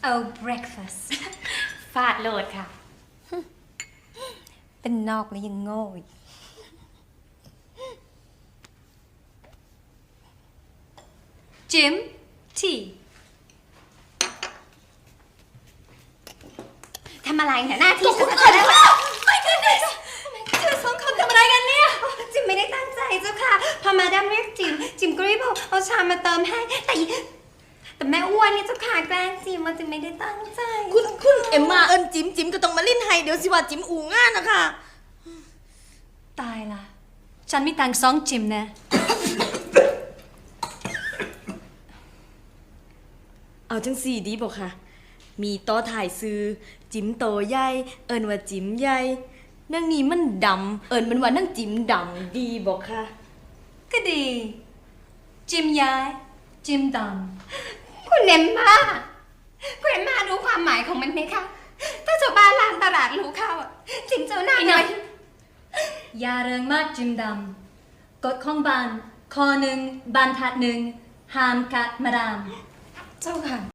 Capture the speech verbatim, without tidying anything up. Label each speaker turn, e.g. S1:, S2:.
S1: Oh breakfast
S2: ฟาดโหลดค่ะ
S1: เป็นนอกแล้วยังโง่อีกจิมทีทำอะไรเนี่ยหน้าที่ฉันจะได้ไหมไม่กันเลยเธอสองคนทำอะไรกันเนี่ยจิมไม่ได้ตั้งใจเจ้าค่ะพอมาดามเรียกจิมจิมก็รีบเอาชามมาเติมให้แต่แต่แม่อ้วนนี่เจ้าค่ะแกล้งจิมว่าจิมไม่ได้ตั้งใจ
S3: คุณคุณเอ็มมาเอิญจิมจิมก็ต้องมาลิ้นให้เดี๋ยวสิว่าจิมอูง่านนะคะ
S1: ตายละฉันมีตังค์สองจิมนะ
S3: เอาจังสี่ดีบอกค่ะมีต่อถ่ายซื้อจิมโตใหญ่เอิญว่าจิมใหญ่นั่งนี้มันดำเอิญมันว่านั่งจิมดำดีบอกค่ะ
S1: ก็ดีจิมย้ายจิมดำคุณเอ็มมาคุณเอ็มมารู้ความหมายของมันไหมคะถ้าชาวบ้านลานตลาดรู้เข้าจิมเจ้าหน้าหน่อยอย่าเริงมากจิมดำกฎของบ้านข้อหนึ่งบรรทัดหนึ่งห้ามกัดมาดามเจ้าค่ะ